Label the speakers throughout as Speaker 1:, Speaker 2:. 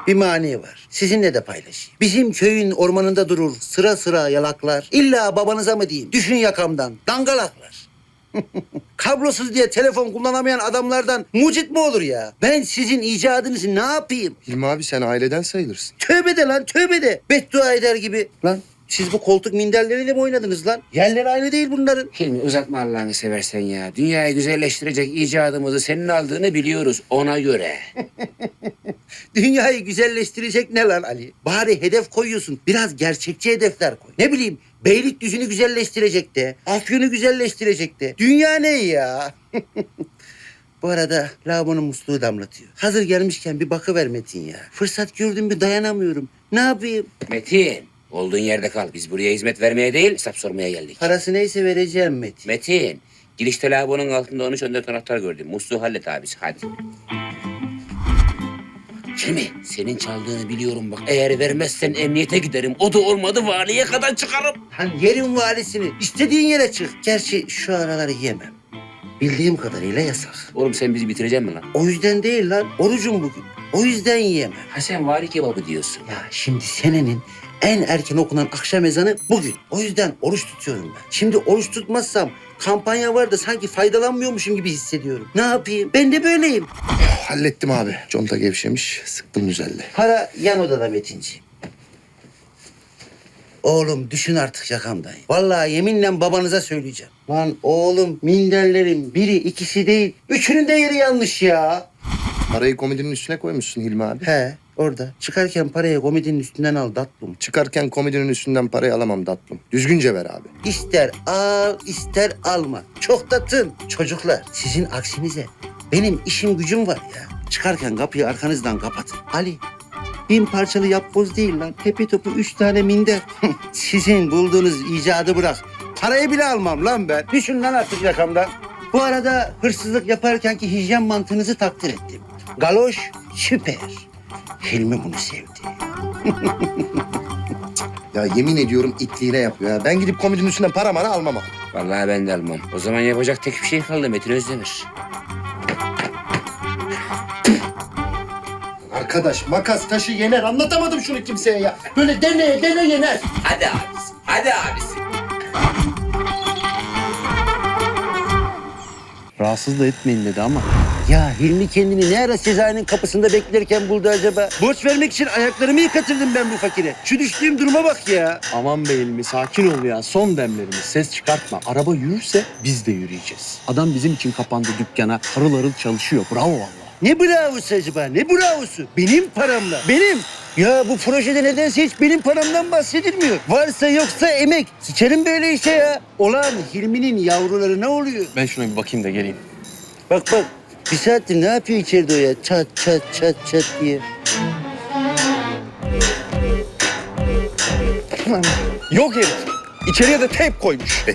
Speaker 1: Bir mani var. Sizinle de paylaşayım. Bizim köyün ormanında durur sıra sıra yalaklar. İlla babanıza mı diyeyim? Düşün yakamdan. Dangalaklar. Kablosuz diye telefon kullanamayan adamlardan mucit mi olur ya? Ben sizin icadınızı ne yapayım?
Speaker 2: Hilmi abi sen aileden sayılırsın.
Speaker 1: Tövbe de lan tövbe de. Beddua eder gibi. Lan siz bu koltuk minderleriyle mi oynadınız lan? Yerleri aynı değil bunların.
Speaker 3: Hilmi uzatma Allah'ını seversen ya. Dünyayı güzelleştirecek icadımızı senin aldığını biliyoruz ona göre.
Speaker 1: Dünyayı güzelleştirecek ne lan Ali? Bari hedef koyuyorsun. Biraz gerçekçi hedefler koy. Ne bileyim Beylikdüzü'nü güzelleştirecek de. Afyon'u güzelleştirecek de. Dünya ne ya? Bu arada lavabonun musluğu damlatıyor. Hazır gelmişken bir bakıver Metin ya. Fırsat gördüm bir dayanamıyorum. Ne yapayım?
Speaker 3: Metin, olduğun yerde kal. Biz buraya hizmet vermeye değil, hesap sormaya geldik.
Speaker 1: Parası neyse vereceğim Metin.
Speaker 3: Metin, girişte lavabonun altında 13-14 anahtar gördüm. Musluğu hallet abisi, hadi. Hilmi, senin çaldığını biliyorum bak. Eğer vermezsen emniyete giderim. O da olmadı valiye kadar çıkarım.
Speaker 1: Hani yerin valisini istediğin yere çık. Gerçi şu araları yemem. Bildiğim kadarıyla yasak.
Speaker 3: Oğlum sen bizi bitireceksin mi lan?
Speaker 1: O yüzden değil lan. Orucum bugün. O yüzden yiyemem.
Speaker 3: Ha sen vali kebabı diyorsun.
Speaker 1: Ya şimdi senenin en erken okunan akşam ezanı bugün. O yüzden oruç tutuyorum ben. Şimdi oruç tutmazsam kampanya var da sanki faydalanmıyormuşum gibi hissediyorum. Ne yapayım? Ben de böyleyim.
Speaker 2: Hallettim abi. Conta gevşemiş. Sıktım güzelle.
Speaker 1: Para yan odada Metinciğim. Oğlum düşün artık yakamdayım. Vallahi yeminle babanıza söyleyeceğim. Lan oğlum minderlerin biri ikisi değil. Üçünün de yeri yanlış ya.
Speaker 2: Parayı komodinin üstüne koymuşsun Hilmi abi.
Speaker 1: He orada. Çıkarken parayı komedinin üstünden al tatlım.
Speaker 2: Çıkarken komodinin üstünden parayı alamam tatlım. Düzgünce ver abi.
Speaker 1: İster al ister alma. Çok da tın. Çocuklar sizin aksinize benim işim gücüm var ya. Çıkarken kapıyı arkanızdan kapatın. Ali 1000 parçalı yapboz değil lan. Tepe topu 3 tane minder. Sizin bulduğunuz icadı bırak. Parayı bile almam lan ben. Düşün lan artık yakamdan. Bu arada hırsızlık yaparkenki hijyen mantığınızı takdir ettim. Galoş süper. Hilmi bunu sevdi.
Speaker 2: Ya yemin ediyorum itliğine yapıyor ya. Ben gidip komodinin üstünden para mara almam abi.
Speaker 3: Vallahi ben de almam. O zaman yapacak tek bir şey kaldı Metin Özdemir.
Speaker 2: Arkadaş makas taşı yener. Anlatamadım şunu kimseye ya. Böyle dene yener.
Speaker 3: Hadi abisi, hadi abisi.
Speaker 4: Rahatsız da etmeyin dedi ama.
Speaker 1: Ya Hilmi kendini ne ara Sezai'nin kapısında beklerken buldu acaba? Borç vermek için ayaklarımı yıkatırdım ben bu fakire. Şu düştüğüm duruma bak ya.
Speaker 4: Aman be Hilmi sakin ol ya. Son demlerimiz. Ses çıkartma. Araba yürürse biz de yürüyeceğiz. Adam bizim için kapandı dükkana. Harıl harıl çalışıyor. Bravo vallahi.
Speaker 1: Ne bravosu acaba? Ne bravosu? Benim paramla. Benim. Ya bu projede nedense hiç benim paramdan bahsedilmiyor. Varsa yoksa emek. Sikerim böyle işe ya. Olan Hilmi'nin yavruları ne oluyor?
Speaker 4: Ben şuna bir bakayım da geleyim.
Speaker 1: Bak bak. Bir saattir ne yapıyor içeride o ya? Çat çat çat çat diye.
Speaker 4: Yok herif. İçeriye de teyp koymuş.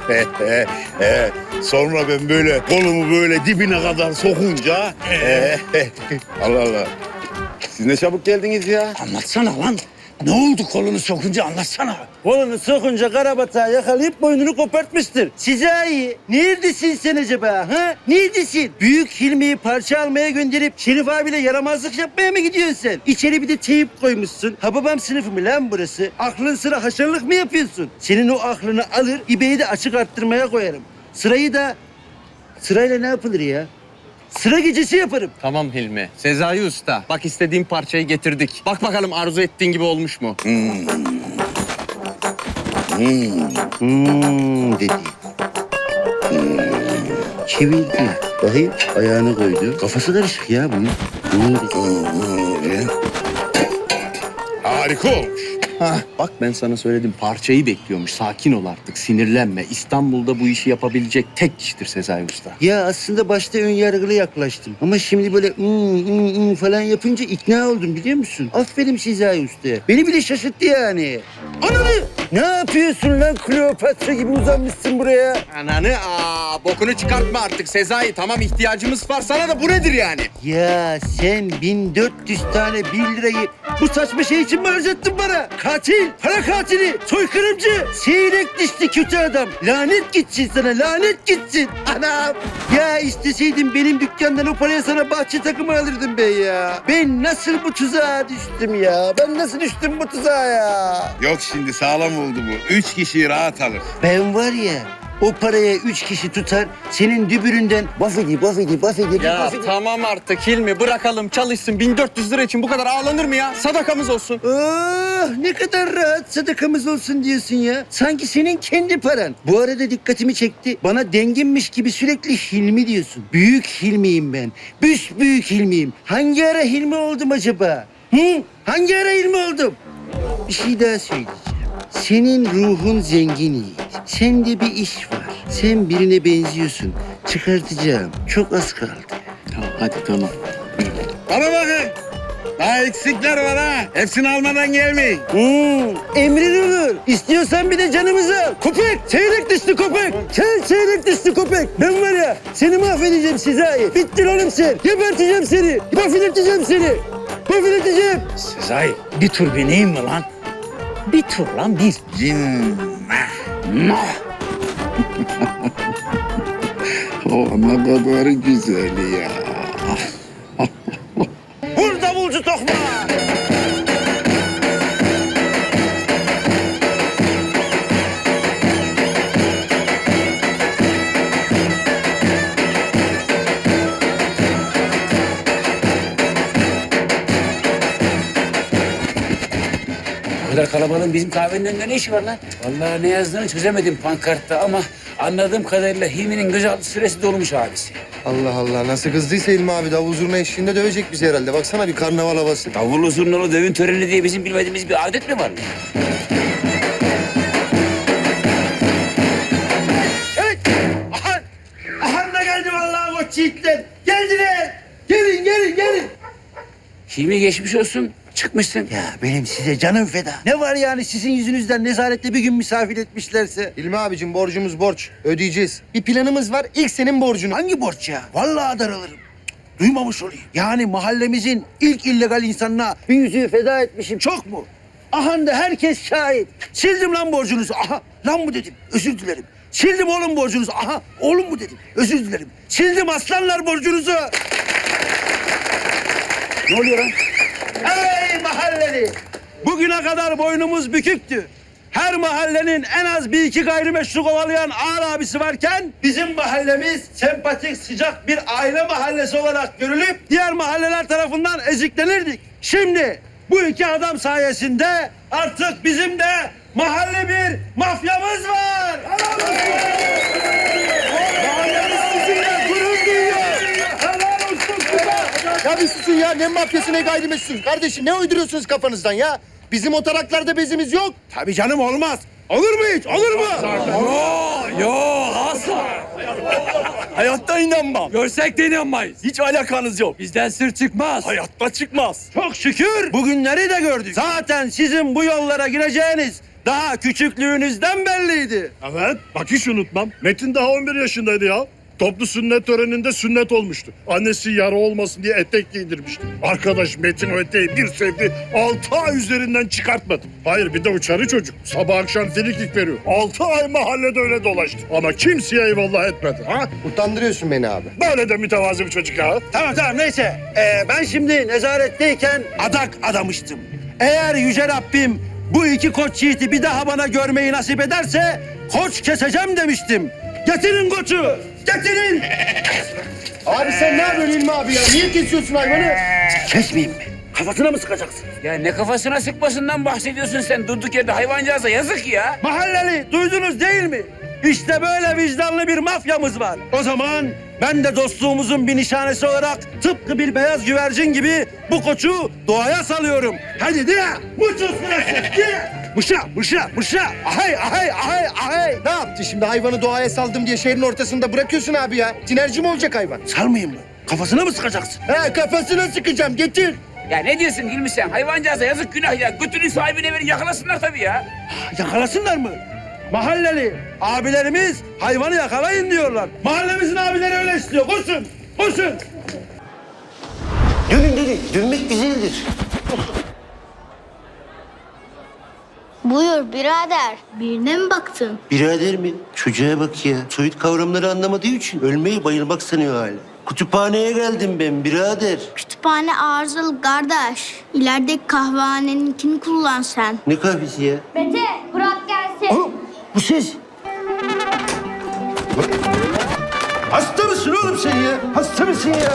Speaker 5: Sonra ben böyle kolumu böyle dibine kadar sokunca... Allah Allah. Siz ne çabuk geldiniz ya.
Speaker 1: Anlatsana lan. Ne oldu kolunu sokunca anlatsana. Kolunu sokunca karabatağı yakalayıp boynunu kopartmıştır. Sezai, neredesin sen acaba ha? Neredesin? Büyük Hilmi'yi parça almaya gönderip Şerif abiyle yaramazlık yapmaya mı gidiyorsun sen? İçeri bir de teyip koymuşsun. Ha babam sınıfı mı lan burası? Aklın sıra haşarlık mı yapıyorsun? Senin o aklını alır, İbeyi de açık arttırmaya koyarım. Sırayla ne yapılır ya? Sıra gecesi yaparım.
Speaker 4: Tamam Hilmi. Sezai Usta. Bak istediğim parçayı getirdik. Bak bakalım arzu ettiğin gibi olmuş mu?
Speaker 1: Dedi. Çevirdi. Bakayım ayağını koydu. Kafası karışık ya bunun.
Speaker 5: Harika olmuş.
Speaker 4: Hah, bak ben sana söyledim. Parçayı bekliyormuş. Sakin ol artık. Sinirlenme. İstanbul'da bu işi yapabilecek tek kişidir Sezai Usta.
Speaker 1: Ya aslında başta ön yargılı yaklaştım. Ama şimdi böyle falan yapınca ikna oldum biliyor musun? Aferin Sezai Usta'ya. Beni bile şaşırttı yani. Ananı! Ne yapıyorsun lan Kleopatra gibi uzanmışsın buraya?
Speaker 4: Ananı bokunu çıkartma artık Sezai. Tamam ihtiyacımız var sana da bu nedir yani?
Speaker 1: Ya sen 1400 tane 1 lirayı bu saçma şey için mi harcattın bana? katil, para katili, soykırımcı, seyrek dişli kötü adam. Lanet gitsin sana, lanet gitsin. Anam. Ya isteseydim benim dükkandan o paraya sana bahçe takımı alırdım ben ya. Ben nasıl bu tuzağa düştüm ya? Ben nasıl düştüm bu tuzağa ya?
Speaker 5: Yok şimdi sağlam oldu bu. 3 kişiyi rahat alır.
Speaker 1: Ben var ya, o paraya 3 kişi tutar, senin dübüründen bafedi.
Speaker 4: Ya tamam artık Hilmi, bırakalım çalışsın. 1400 lira için bu kadar ağlanır mı ya? Sadakamız olsun.
Speaker 1: Oh, ne kadar rahat sadakamız olsun diyorsun ya. Sanki senin kendi paran. Bu arada dikkatimi çekti. Bana denginmiş gibi sürekli Hilmi diyorsun. Büyük Hilmiyim ben. Büyük Hilmiyim. Hangi ara Hilmi oldum acaba? Hı? Hangi ara Hilmi oldum? Bir şey daha söyleyeceğim. Senin ruhun zengin Yiğit. Sende bir iş var. Sen birine benziyorsun. Çıkartacağım. Çok az kaldı.
Speaker 4: Tamam hadi tamam.
Speaker 5: Bana bakın. Daha eksikler var ha. Hepsini almadan gelmeyin.
Speaker 1: Emrin olur. İstiyorsan bir de canımızı al. Köpek, seyrek dişli köpek. Sen seyrek dişli köpek. Ben var ya seni mahvedeceğim Sezai. Bittin oğlum sen. Geberteceğim seni. Mahvedeceğim seni. Mahvedeceğim.
Speaker 3: Sezai bir tur bineyim mi lan? Bir tur lan bir.
Speaker 5: Cinnah. Oh ne kadar güzel ya.
Speaker 1: Vur davulcu tokma.
Speaker 3: Bu kadar kalabalığın bizim kahvenin önünde ne işi var lan? Vallahi ne yazdığını çözemedim pankartta ama anladığım kadarıyla Hilmi'nin gözaltı süresi dolmuş abisi.
Speaker 2: Allah Allah nasıl kızdıysa İlmi abi davul zurna eşliğinde dövecek bizi herhalde. Baksana bir karnaval havası.
Speaker 3: Davullu zurnalı düğün töreni diye bizim bilmediğimiz bir adet mi var?
Speaker 1: Evet. Aha da geldi vallahi koç yiğitler. Geldiler. Gelin.
Speaker 3: Hilmi geçmiş olsun. Çıkmışsın.
Speaker 1: Ya benim size canım feda. Ne var yani sizin yüzünüzden nezarette bir gün misafir etmişlerse?
Speaker 2: İlmi abicim borcumuz borç. Ödeyeceğiz. Bir planımız var. İlk senin borcunu.
Speaker 1: Hangi borç ya? Vallahi daralırım. Duymamış olayım. Yani mahallemizin ilk illegal insanına bir yüzüğü feda etmişim. Çok mu? Aha da herkes şahit. Sildim lan borcunuzu. Aha lan mı dedim. Özür dilerim. Sildim oğlum borcunuzu. Aha oğlum mu dedim. Özür dilerim. Sildim aslanlar borcunuzu.
Speaker 3: Ne oluyor lan?
Speaker 1: Ey mahalleli! Bugüne kadar boynumuz büküktü. Her mahallenin en az bir iki gayrimeşru kovalayan ağır abisi varken bizim mahallemiz sempatik, sıcak bir aile mahallesi olarak görülüp diğer mahalleler tarafından eziklenirdik. Şimdi bu iki adam sayesinde artık bizim de mahalle bir mafyamız var. Mahallemiz sizinle gurur duyuyor. Helal olsun size.
Speaker 2: Ya bir susun ya. Ne mafyası ne gayrimeşru. Kardeşim ne uyduruyorsunuz kafanızdan ya? Bizim o taraklarda bezimiz yok.
Speaker 1: Tabii canım olmaz. Olur mu hiç? Olur mu?
Speaker 6: Yo asla. Hayatta inanmam. Görsek de inanmayız. Hiç alakanız yok. Bizden sır çıkmaz. Hayatta çıkmaz.
Speaker 1: Çok şükür bugünleri de gördük. Zaten sizin bu yollara gireceğiniz daha küçüklüğünüzden belliydi.
Speaker 7: Evet, bak hiç unutmam. Metin daha 11 yaşındaydı ya. Toplu sünnet töreninde sünnet olmuştu. Annesi yara olmasın diye etek giydirmişti. Arkadaş Metin o eteği bir sevdi, 6 ay üzerinden çıkartmadı. Hayır bir de uçarı çocuk. Sabah akşam frikik veriyor. 6 ay mahallede öyle dolaştı. Ama kimseye eyvallah etmedi. Ha?
Speaker 2: Utandırıyorsun beni abi.
Speaker 7: Böyle de mütevazi bir çocuk ya.
Speaker 1: Tamam neyse. Ben şimdi nezaretteyken adak adamıştım. Eğer Yüce Rabbim bu iki koç yiğiti bir daha bana görmeyi nasip ederse koç keseceğim demiştim. Getirin koçu. Getirin.
Speaker 2: Abi sen ne yapıyorsun İlmi abi ya? Niye kesiyorsun hayvanı?
Speaker 1: Kesmeyeyim mi? Kafasına mı sıkacaksın?
Speaker 3: Ya ne kafasına sıkmasından bahsediyorsun sen? Durduk yerde hayvancağıza yazık ya.
Speaker 1: Mahalleli duydunuz değil mi? İşte böyle vicdanlı bir mafyamız var. O zaman ben de dostluğumuzun bir nişanesi olarak tıpkı bir beyaz güvercin gibi bu koçu doğaya salıyorum. Hadi de muçuz sırası. Mışa. Ahay.
Speaker 2: Ne yaptı şimdi? Hayvanı doğaya saldım diye şehrin ortasında bırakıyorsun abi ya. Tinerci mi olacak hayvan?
Speaker 1: Salmayayım mı? Kafasına mı sıkacaksın?
Speaker 2: He kafasına sıkacağım. Getir.
Speaker 3: Ya ne diyorsun Hilmi sen? Hayvancağıza yazık günah ya. Götünün sahibine verin yakalasınlar tabii ya.
Speaker 1: Yakalasınlar mı? Mahalleli abilerimiz hayvanı yakalayın diyorlar. Mahallemizin abileri öyle istiyor. Koşun. Dönün. Dönmek güzeldir.
Speaker 8: Buyur birader. Birine mi baktın?
Speaker 1: Birader mi? Çocuğa bak ya. Soyut kavramları anlamadığı için ölmeyi bayılmak sanıyor hala. Kütüphaneye geldim ben birader.
Speaker 8: Kütüphane arızalı kardeş. İlerideki kahvehaneninkini kullan sen.
Speaker 1: Ne kahvesi ya?
Speaker 8: Mete bırak gelsin.
Speaker 1: Oğlum bu ses. Hasta mısın oğlum sen ya? Hasta mısın ya?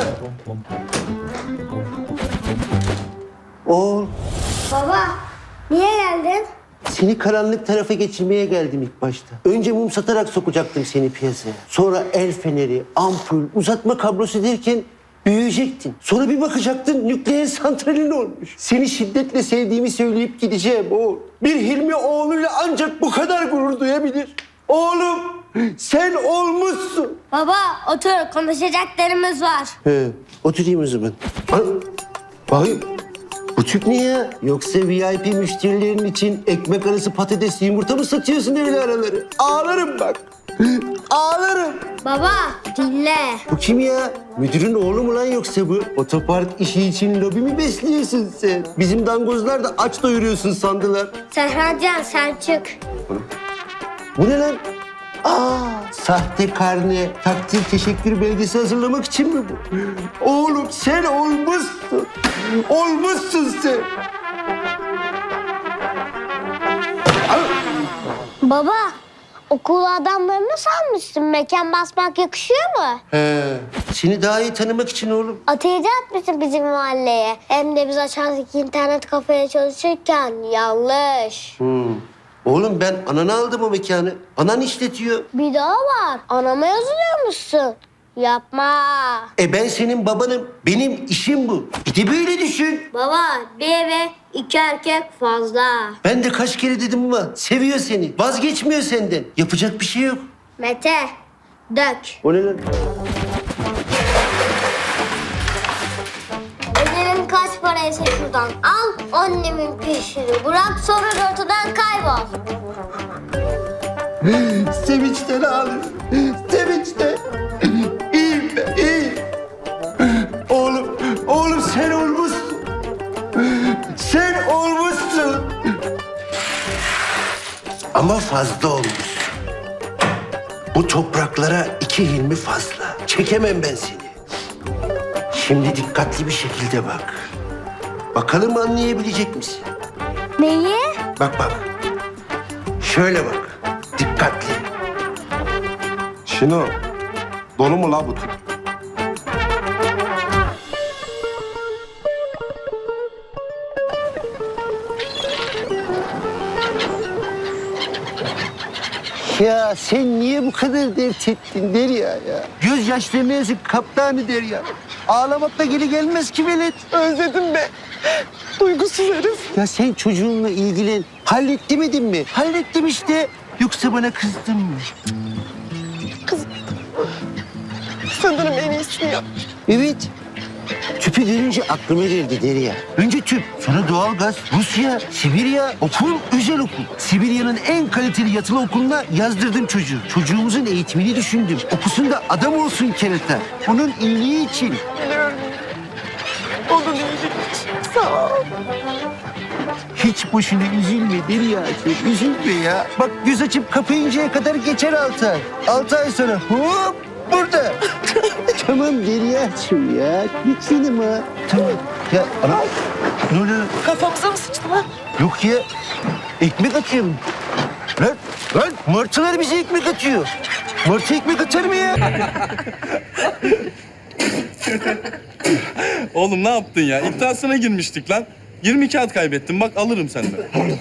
Speaker 1: Oğlum
Speaker 8: Baba niye geldin?
Speaker 1: seni karanlık tarafa geçirmeye geldim ilk başta. Önce mum satarak sokacaktım seni piyasaya. Sonra el feneri, ampul, uzatma kablosu derken büyüyecektin. Sonra bir bakacaktın nükleer santralin olmuş. Seni şiddetle sevdiğimi söyleyip gideceğim oğul. Bir Hilmi oğluyla ancak bu kadar gurur duyabilir. Oğlum sen olmuşsun.
Speaker 8: Baba otur konuşacaklarımız var.
Speaker 1: He, oturayım o zaman. Bakayım. Bu tüp ne ya? Yoksa VIP müşterilerin için ekmek arası patates yumurta mı satıyorsun öyle araları? Ağlarım bak. Ağlarım.
Speaker 8: Baba dinle.
Speaker 1: Bu kim ya? Müdürün oğlu mu lan yoksa bu? Otopark işi için lobi mi besliyorsun sen? Bizim dangozlar da aç doyuruyorsun sandılar.
Speaker 8: Serhatcan sen çık.
Speaker 1: Bu ne lan? Sahte karne, takdir teşekkür belgesi hazırlamak için mi bu? Oğlum sen olmuşsun. Olmuşsun sen.
Speaker 8: Baba okul adamlarını sanmışsın. Mekan basmak yakışıyor mu?
Speaker 1: He, seni daha iyi tanımak için oğlum.
Speaker 8: Atayacak mısın bizim mahalleye? Hem de biz aşağıdaki internet kafeye çalışırken yanlış.
Speaker 1: Oğlum ben ananı aldım o mekanı. Anan işletiyor.
Speaker 8: Bir daha var. Anama yazılıyormuşsun. Yapma.
Speaker 1: Ben senin babanım. Benim işim bu. Bir de böyle düşün.
Speaker 8: Baba bir eve 2 erkek fazla.
Speaker 1: Ben de kaç kere dedim ama seviyor seni. Vazgeçmiyor senden. Yapacak bir şey yok.
Speaker 8: Mete dök.
Speaker 1: O ne lan?
Speaker 8: Öderim kaç paraysa şuradan al. Annemin peşini bırak sonra ortadan kaybol.
Speaker 1: Sevinçten ağlıyor. Sevinçten. İyiyim ben, iyiyim. Oğlum sen olmuşsun. Sen olmuşsun. Ama fazla olmuşsun. Bu topraklara 2 Hilmi fazla. Çekemem ben seni. Şimdi dikkatli bir şekilde bak. Bakalım anlayabilecek misin?
Speaker 8: Neyi?
Speaker 1: Bak. Şöyle bak. Dikkatli.
Speaker 5: Şunu dolu mu la bu tüp?
Speaker 1: Ya sen niye bu kadar dert ettin Derya ya? Göz yaşlarına yazık kaptanı Derya. Ağlamakla geri gelmez ki velet. Özledim be. Duygusuz herif. Ya sen çocuğunla ilgilen. Halletmedin mi? Hallettim işte. Yoksa bana kızdın mı?
Speaker 9: Sanırım en iyisini yap.
Speaker 1: Evet. Tüpü görünce aklıma geldi Derya. Önce tüp, sonra doğalgaz, Rusya, Sibirya, okul, özel okul. Sibirya'nın en kaliteli yatılı okuluna yazdırdım çocuğu. Çocuğumuzun eğitimini düşündüm. Okusun da adam olsun kerata. Onun iyiliği için.
Speaker 9: Biliyorum. Onun iyiliği için. Sağ ol.
Speaker 1: Hiç boşuna üzülme Derya'cığım, üzülme ya. Bak göz açıp kapayıncaya kadar geçer 6 ay. 6 ay sonra hop burada. Tamam Derya'cığım ya, lütfenim ha. Tamam. Ya ana, ne oluyor?
Speaker 9: Kafamıza mı sıçtı lan?
Speaker 1: Yok ya, ekmek atıyorum. Lan martılar bize ekmek atıyor. Martı ekmek atar mı ya?
Speaker 10: Oğlum ne yaptın ya? İddiasına girmiştik lan. 20 kağıt kaybettim. Bak alırım senden.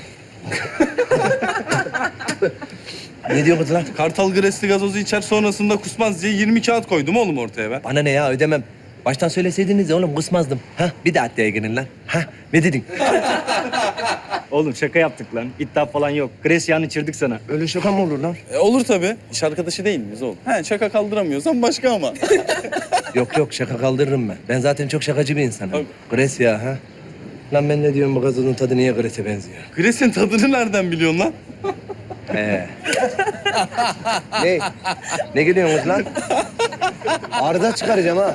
Speaker 6: Ne diyor bu lan?
Speaker 10: Kartal Gresli gazozu içer sonrasında kusmaz diye 20 kağıt koydum oğlum ortaya ben.
Speaker 6: Bana ne ya ödemem. Baştan söyleseydiniz ya oğlum kusmazdım. Ha bir de adliye girin lan. Ha ne dedin?
Speaker 11: Oğlum şaka yaptık lan. İddia falan yok. Gresya'nı içirdik sana.
Speaker 6: Öyle şaka mı olur lan?
Speaker 10: Olur tabii. İş arkadaşı değil miyiz oğlum? He şaka kaldıramıyorsan başka ama.
Speaker 6: Yok şaka kaldırırım ben. Ben zaten çok şakacı bir insanım.
Speaker 10: Tabii.
Speaker 6: Gresya ha. Lan ben ne diyorum bu gazozun tadı niye Gres'e benziyor?
Speaker 10: Gres'in tadını nereden biliyorsun lan?
Speaker 6: Ne? Ne gülüyorsunuz lan? Arda çıkaracağım ha.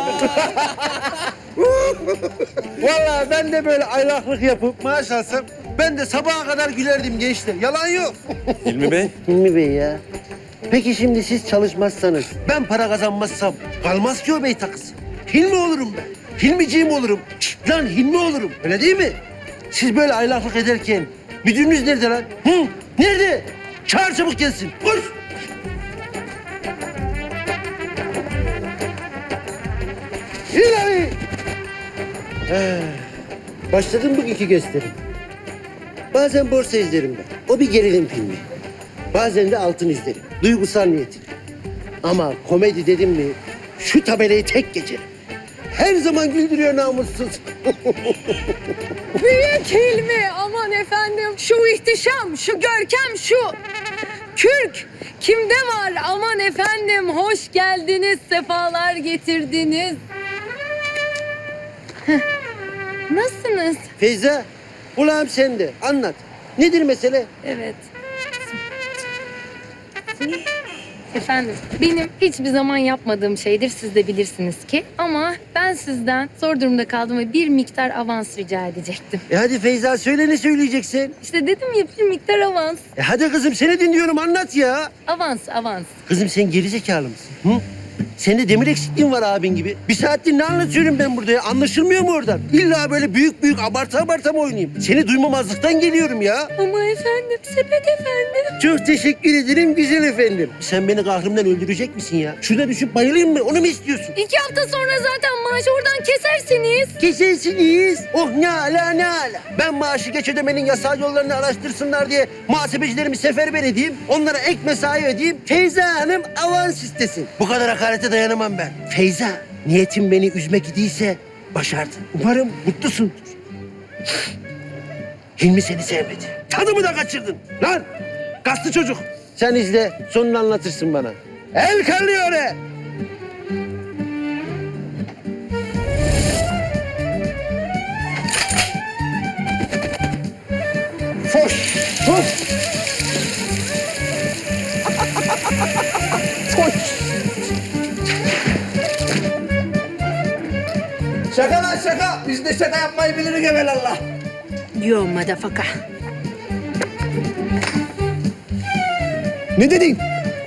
Speaker 1: Vallahi ben de böyle aylaklık yapıp maaş alsam Ben de sabaha kadar gülerdim gençler. Yalan yok.
Speaker 10: Hilmi Bey.
Speaker 1: Hilmi Bey ya. Peki şimdi siz çalışmazsanız, ben para kazanmazsam kalmaz ki o bey takısı. Hilmi olurum ben. Hilmiciğim olurum. Şşt lan Hilmi olurum. Öyle değil mi? Siz böyle aylaklık ederken müdürünüz nerede lan? Hı? Nerede? Çağır çabuk gelsin. Koş. İlahi. Başladım bugünkü gösterim. Bazen borsa izlerim ben. O bir gerilim filmi. Bazen de altın izlerim. Duygusal niyetine. Ama komedi dedim mi şu tabelayı tek geçerim. Her zaman güldürüyor namussuz.
Speaker 9: Büyük Hilmi, aman efendim. Şu ihtişam, şu görkem, şu kürk. Kimde var? Aman efendim, hoş geldiniz, sefalar getirdiniz. Heh. Nasılsınız?
Speaker 1: Feyza, kulağım sende. Anlat. Nedir mesele?
Speaker 9: Evet. Efendim, benim hiçbir zaman yapmadığım şeydir, siz de bilirsiniz ki. Ama ben sizden zor durumda kaldım ve bir miktar avans rica edecektim.
Speaker 1: Hadi Feyza söyle ne söyleyeceksin?
Speaker 9: İşte dedim ya, bir miktar avans.
Speaker 1: Hadi kızım seni dinliyorum anlat ya.
Speaker 9: Avans.
Speaker 1: Kızım sen gerizekalı mısın? Hı? Sende demir eksikliğin var abin gibi. Bir saattir ne anlatıyorum ben burada ya? Anlaşılmıyor mu oradan? İlla böyle büyük abarta mı oynayayım? Seni duymamazlıktan geliyorum ya.
Speaker 9: Ama efendim, sepet efendim.
Speaker 1: Çok teşekkür ederim güzel efendim. Sen beni kahrımdan öldürecek misin ya? Şurada düşüp bayılayım mı? Onu mu istiyorsun?
Speaker 9: 2 hafta sonra zaten maaşı oradan kesersiniz.
Speaker 1: Kesersiniz. Oh ne ala. Ben maaşı geç ödemenin yasal yollarını araştırsınlar diye muhasebecilerimi seferber edeyim. Onlara ek mesai ödeyeyim. Feyza Hanım avans istesin. Bu kadar hakarete dayanamam ben. Feyza, niyetin beni üzmek idiyse başardın. Umarım mutlusundur. Hilmi seni sevmedi. Tadımı da kaçırdın. Lan kaslı çocuk. Sen izle sonunu anlatırsın bana. El kallıyor he. Foş.
Speaker 6: Şaka lan şaka. Biz de şaka yapmayı biliriz evelallah.
Speaker 9: Yo madafaka.
Speaker 6: Ne dedin?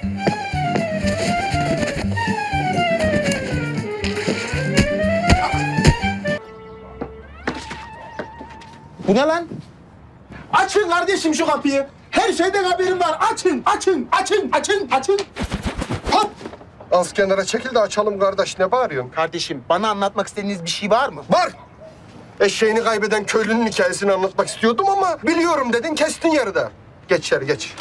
Speaker 6: Bu ne lan? Açın kardeşim şu kapıyı. Her şeyden haberim var. Açın. Hop.
Speaker 2: Az kenara çekil de açalım kardeş. Ne bağırıyorsun?
Speaker 6: Kardeşim bana anlatmak istediğiniz bir şey var mı?
Speaker 2: Var. Eşeğini kaybeden köylünün hikayesini anlatmak istiyordum ama biliyorum dedin kestin yarıda. Geç içeri geç.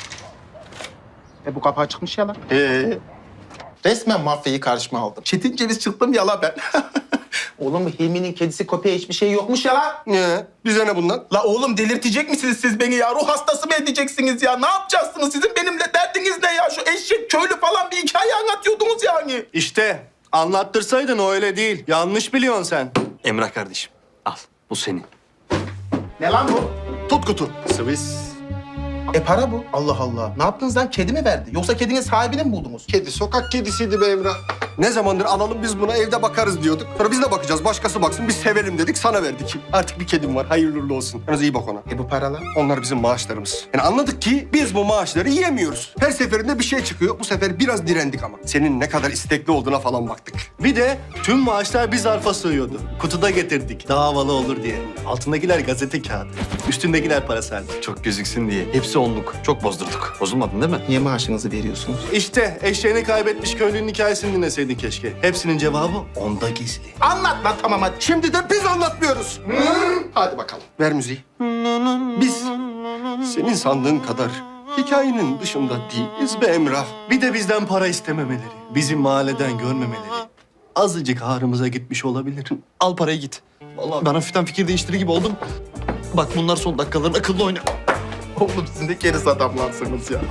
Speaker 6: Bu kapağı çıkmış ya lan.
Speaker 12: Resmen mafyayı karşıma aldım.
Speaker 6: Çetin ceviz çıktım ya la ben.
Speaker 12: Oğlum Hilmi'nin kedisi köpeği hiçbir şey yokmuş ya lan.
Speaker 2: Niye? Bize ne bundan?
Speaker 6: La oğlum delirtecek misiniz siz beni ya? Ruh hastası mı edeceksiniz ya? Ne yapacaksınız? Sizin benimle derdiniz ne ya? Şu eşek köylü falan bir hikaye anlatıyordunuz yani.
Speaker 10: İşte anlattırsaydın o öyle değil. Yanlış biliyorsun sen.
Speaker 4: Emrah kardeşim al bu senin.
Speaker 6: Ne lan bu?
Speaker 2: Tut kutu.
Speaker 10: Swiss.
Speaker 6: Para bu. Allah Allah. Ne yaptınız lan? Kedi mi verdi? Yoksa kedinin sahibini mi buldunuz?
Speaker 2: Kedi sokak kedisiydi be Emrah. Ne zamandır alalım biz buna evde bakarız diyorduk. Sonra biz de bakacağız. Başkası baksın biz sevelim dedik sana verdik. Artık bir kedim var. Hayırlı uğurlu olsun. Yalnız iyi bak ona.
Speaker 6: Bu paralar?
Speaker 2: Onlar bizim maaşlarımız. Yani anladık ki biz bu maaşları yiyemiyoruz. Her seferinde bir şey çıkıyor. Bu sefer biraz direndik ama. Senin ne kadar istekli olduğuna falan baktık.
Speaker 10: Bir de tüm maaşlar bir zarfa sığıyordu. Kutuda getirdik. Daha havalı olur diye. Altındakiler gazete kağıdı. Üstündekiler parasal.
Speaker 4: Çok gözüksün diye. Hepsi onluk. Çok bozdurduk. Bozulmadın değil mi?
Speaker 6: Niye maaşınızı veriyorsunuz?
Speaker 10: İşte eşeğini kaybetmiş köylünün hikayesini dinleseydin keşke. Hepsinin cevabı onda gizli.
Speaker 6: Anlat lan tamam hadi.
Speaker 2: Şimdi de biz anlatmıyoruz. Hadi bakalım. Ver müziği. Biz senin sandığın kadar hikayenin dışında değiliz be Emrah.
Speaker 10: Bir de bizden para istememeleri. Bizi mahalleden görmemeleri. Azıcık ağrımıza gitmiş olabilir.
Speaker 4: Al parayı git. Vallahi ben hafiften fikir değiştirir gibi oldum. Bak bunlar son dakikaların akıllı oyna.
Speaker 6: Oğlum siz ne keriz adamlarsınız ya.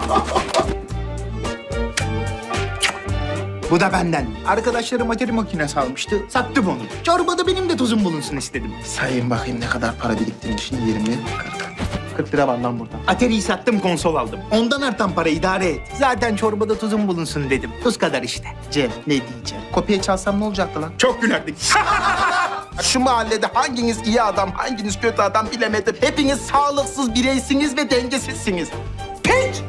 Speaker 6: Bu da benden. Arkadaşlarım materi makinesi almıştı. Sattım onu. Çorbada benim de tuzum bulunsun istedim. Sayın bakayım ne kadar para biriktirmişim. 20, 40 lira var lan burada. Atari'yi sattım, konsol aldım. Ondan artan para idare et. Zaten çorbada tuzum bulunsun dedim. Tuz kadar işte. Cem, ne diyeceğim? Kopya çalsam ne olacaktı lan? Çok gülerdik. Şu mahallede hanginiz iyi adam, hanginiz kötü adam bilemedim. Hepiniz sağlıksız bireysiniz ve dengesizsiniz. Pek!